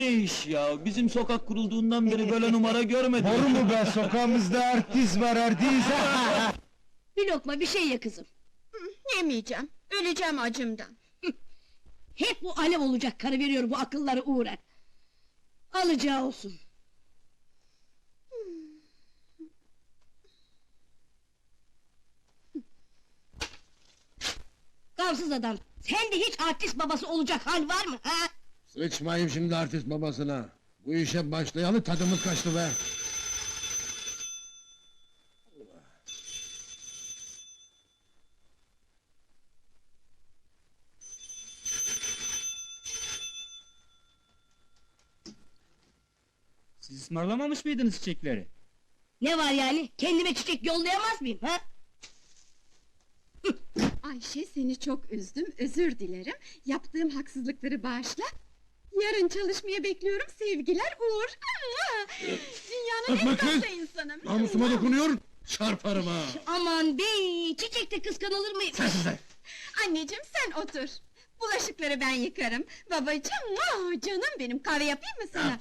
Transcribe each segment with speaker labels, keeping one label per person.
Speaker 1: Ne iş ya? Bizim sokak kurulduğundan beri böyle numara görmedim.
Speaker 2: Doğru mu be, sokağımızda artist var artist!
Speaker 3: Bir lokma bir şey ye kızım.
Speaker 4: Yemeyeceğim, öleceğim acımdan.
Speaker 3: Hep bu alev olacak karı veriyor bu akılları uğrar. Alacağı olsun. Gamsız adam, sen de hiç artist babası olacak hal var mı ha?
Speaker 5: Sıçmayayım şimdi artist babasına. Bu işe başlayalı tadımız kaçtı be.
Speaker 2: Siz ısmarlamamış mıydınız çiçekleri?
Speaker 3: Ne var yani, kendime çiçek yollayamaz mıyım ha?
Speaker 4: Ayşe, seni çok üzdüm, özür dilerim. Yaptığım haksızlıkları bağışla. Yarın çalışmaya bekliyorum, sevgiler Uğur. Dünyanın
Speaker 5: Öpme
Speaker 4: en
Speaker 5: kız!
Speaker 4: tatlı insanı.
Speaker 5: Namusuma dokunuyor, çarparım ha!
Speaker 3: Aman bey, çiçekte kıskanılır mı?
Speaker 5: Sensiz de!
Speaker 4: Anneciğim sen otur. Bulaşıkları ben yıkarım. Babacığım, canım benim, kahve yapayım mı sana?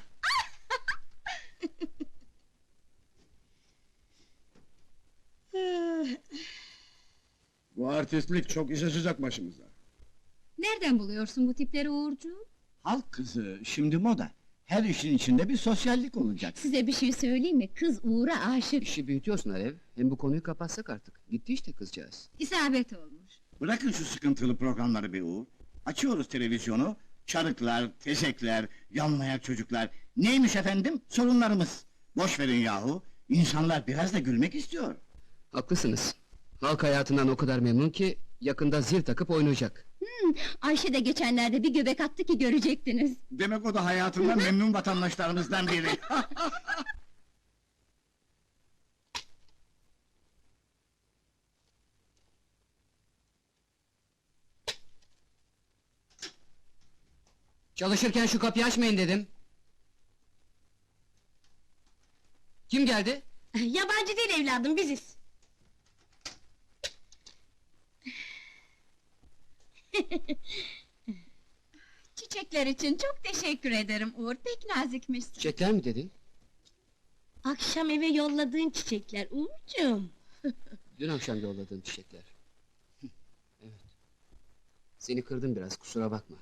Speaker 5: Bu artistlik çok iş açacak başımıza.
Speaker 4: Nereden buluyorsun bu tipleri Uğurcuğum?
Speaker 6: Halk kızı, şimdi moda. Her işin içinde bir sosyallik olacak.
Speaker 4: Size bir şey söyleyeyim mi? Kız Uğur'a aşık.
Speaker 7: İşi büyütüyorsun Alev. Hem bu konuyu kapatsak artık. Gitti işte kızcağız.
Speaker 4: İsabet olmuş.
Speaker 6: Bırakın şu sıkıntılı programları be Uğur. Açıyoruz televizyonu, çarıklar, tezekler, yanlayan çocuklar. Neymiş efendim? Sorunlarımız. Boş verin yahu. İnsanlar biraz da gülmek istiyor.
Speaker 7: Haklısınız. Halk hayatından o kadar memnun ki yakında zil takıp oynayacak.
Speaker 4: Ayşe de geçenlerde bir göbek attı ki görecektiniz.
Speaker 6: Demek o da hayatından memnun vatandaşlarımızdan biri.
Speaker 7: Çalışırken şu kapıyı açmayın dedim. Kim geldi?
Speaker 3: Yabancı değil evladım, biziz.
Speaker 4: Çiçekler için çok teşekkür ederim Uğur, pek nazikmişsin.
Speaker 7: Çiçekler mi dedin?
Speaker 3: Akşam eve yolladığın çiçekler Uğurcuğum.
Speaker 7: Dün akşam yolladığın çiçekler. Evet. Seni kırdım biraz, kusura bakma.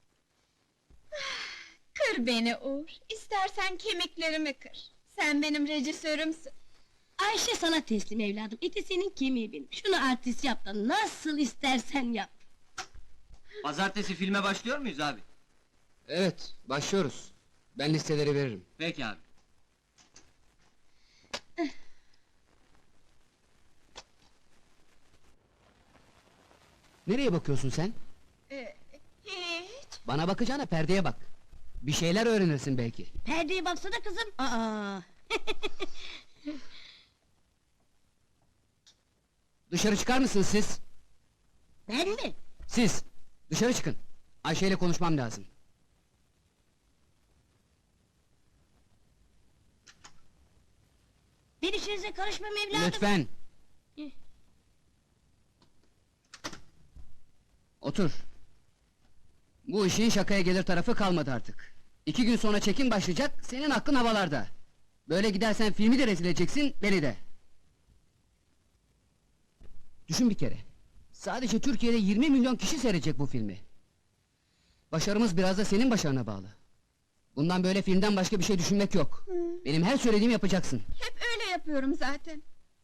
Speaker 4: Kır beni Uğur, istersen kemiklerimi kır. Sen benim rejisörümsün.
Speaker 3: Ayşe sana teslim evladım, eti senin kemiği benim. Şunu artist yap da nasıl istersen yap.
Speaker 1: Pazartesi filme başlıyor muyuz abi?
Speaker 7: Evet, başlıyoruz. Ben listeleri veririm.
Speaker 1: Peki abi.
Speaker 7: Nereye bakıyorsun sen?
Speaker 4: Hiç.
Speaker 7: Bana bakacağına perdeye bak. Bir şeyler öğrenirsin belki.
Speaker 3: Perdeye baksana kızım. Aa.
Speaker 7: Dışarı çıkar mısınız siz?
Speaker 3: Ben mi?
Speaker 7: Siz! Dışarı çıkın. Ayşe ile konuşmam lazım.
Speaker 3: Ben işinize karışmam evladım.
Speaker 7: Lütfen! Otur. Bu işin şakaya gelir tarafı kalmadı artık. 2 gün sonra çekim başlayacak, senin aklın havalarda. Böyle gidersen filmi de rezil edeceksin, beni de. Düşün bir kere. Sadece Türkiye'de 20 milyon kişi seyredecek bu filmi. Başarımız biraz da senin başarına bağlı. Bundan böyle filmden başka bir şey düşünmek yok. Benim her söylediğimi yapacaksın.
Speaker 4: Hep öyle yapıyorum zaten.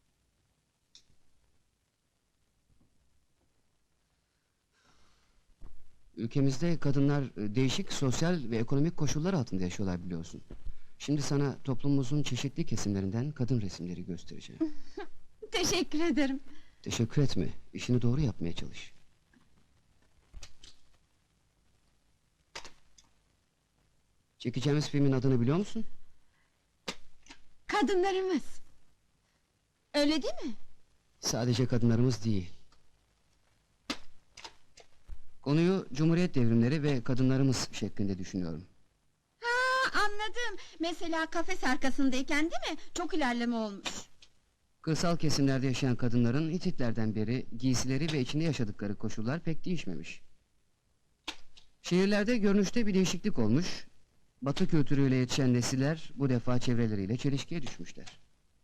Speaker 7: Ülkemizde kadınlar değişik sosyal ve ekonomik koşullar altında yaşıyorlar biliyorsun. Şimdi sana toplumumuzun çeşitli kesimlerinden kadın resimleri göstereceğim.
Speaker 4: Teşekkür ederim.
Speaker 7: Teşekkür etme, işini doğru yapmaya çalış. Çekeceğimiz filmin adını biliyor musun?
Speaker 4: Kadınlarımız. Öyle değil mi?
Speaker 7: Sadece kadınlarımız değil. Konuyu Cumhuriyet devrimleri ve kadınlarımız şeklinde düşünüyorum.
Speaker 4: Ha, anladım. Mesela kafes arkasındayken değil mi? Çok ilerleme olmuş.
Speaker 7: Kırsal kesimlerde yaşayan kadınların Hititlerden beri giysileri ve içinde yaşadıkları koşullar pek değişmemiş. Şehirlerde görünüşte bir değişiklik olmuş. Batı kültürüyle yetişen nesiller bu defa çevreleriyle çelişkiye düşmüşler.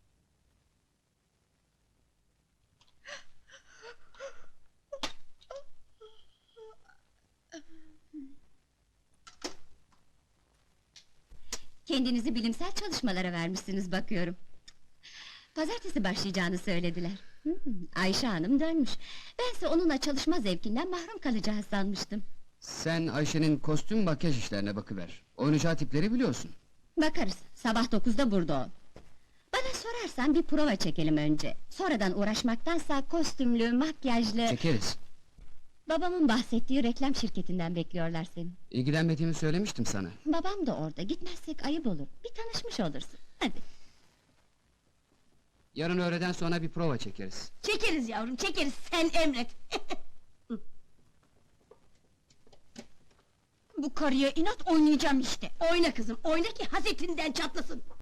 Speaker 8: Kendinizi bilimsel çalışmalara vermişsiniz bakıyorum. Pazartesi başlayacağını söylediler. Ayşe Hanım dönmüş. Bense onunla çalışma zevkinden mahrum kalacağız sanmıştım.
Speaker 7: Sen Ayşe'nin kostüm makyaj işlerine bakıver. Oynayacağı tipleri biliyorsun.
Speaker 8: Bakarız, sabah 9'da burada ol. Bana sorarsan bir prova çekelim önce. Sonradan uğraşmaktansa kostümlü, makyajlı...
Speaker 7: Çekeriz.
Speaker 8: Babamın bahsettiği reklam şirketinden bekliyorlar seni.
Speaker 7: İlgilenmediğimi söylemiştim sana.
Speaker 8: Babam da orada, gitmezsek ayıp olur. Bir tanışmış olursun, hadi.
Speaker 7: Yarın öğleden sonra bir prova çekeriz.
Speaker 3: Çekeriz yavrum, çekeriz, sen emret!
Speaker 8: Bu karıya inat oynayacağım işte.
Speaker 3: Oyna kızım, oyna ki hasetinden çatlasın!